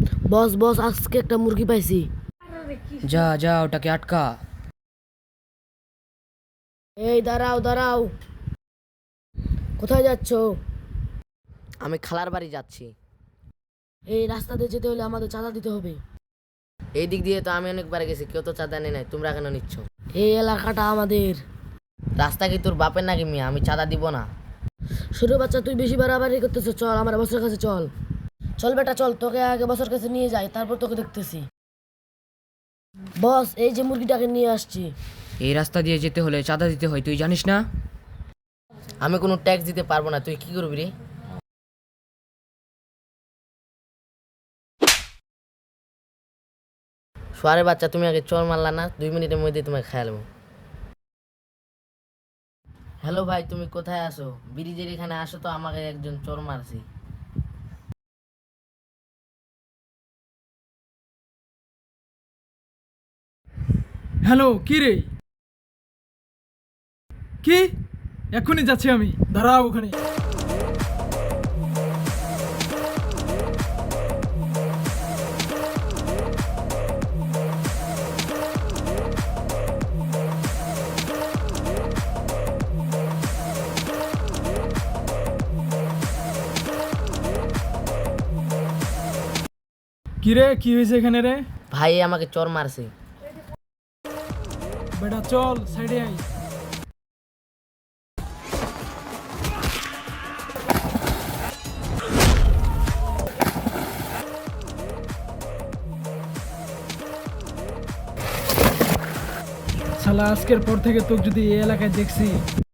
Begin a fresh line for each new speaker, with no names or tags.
বস বস, আজকে একটা মুরগি পাইছি।
যা যা ওটাকে আটকা।
এই দাঁড়াও দাঁড়াও, কোথায় যাচ্ছ?
আমি খালার বাড়ি যাচ্ছি।
এই রাস্তা দিয়ে যেতে হলে আমাদের চাঁদা দিতে হবে।
এই দিক দিয়ে তো আমি অনেকবার গেছি, কেউ তো চাঁদা নেই নাই, তোমরা কেন নিচ্ছ?
এই এলাকাটা আমাদের।
রাস্তা কি তোর বাপের নাকি মিয়া? আমি চাঁদা দিব না।
ছোট বাচ্চা, তুই বেশি বাড়াবাড়ি করতেছ। চল আমার বসের কাছে চল। চল বেটা চল, তোকে আগে বসের কাছে নিয়ে যাই, তারপর তোকে দেখতেছি। বস, এই যে মুরগিটাকে নিয়ে আসছি।
এই রাস্তা দিয়ে যেতে হলে চাঁদা দিতে হয়, তুই জানিস না? আমি কোনো ট্যাক্স দিতে পারবো না, তুই কি করবি রে? সোয়ারে বাচ্চা, তুমি আগে চোর মারলা না, 2 মিনিটের মধ্যে তোমাকে খেয়ালবো। হ্যালো ভাই, তুমি কোথায় আসো? ব্রিজের এখানে আসো তো, আমাকে একজন চোর মারছে।
হ্যালো, কি রে? কি? এক্ষুনি যাচ্ছি আমি, দাঁড়াও ওখানে। কি রে, কি হয়েছে এখানে রে?
ভাই আমাকে চোর মারছে।
বেটা চল সাইডে আই। শালা, আজকের পর থেকে তোকে যদি এই এলাকায় দেখছি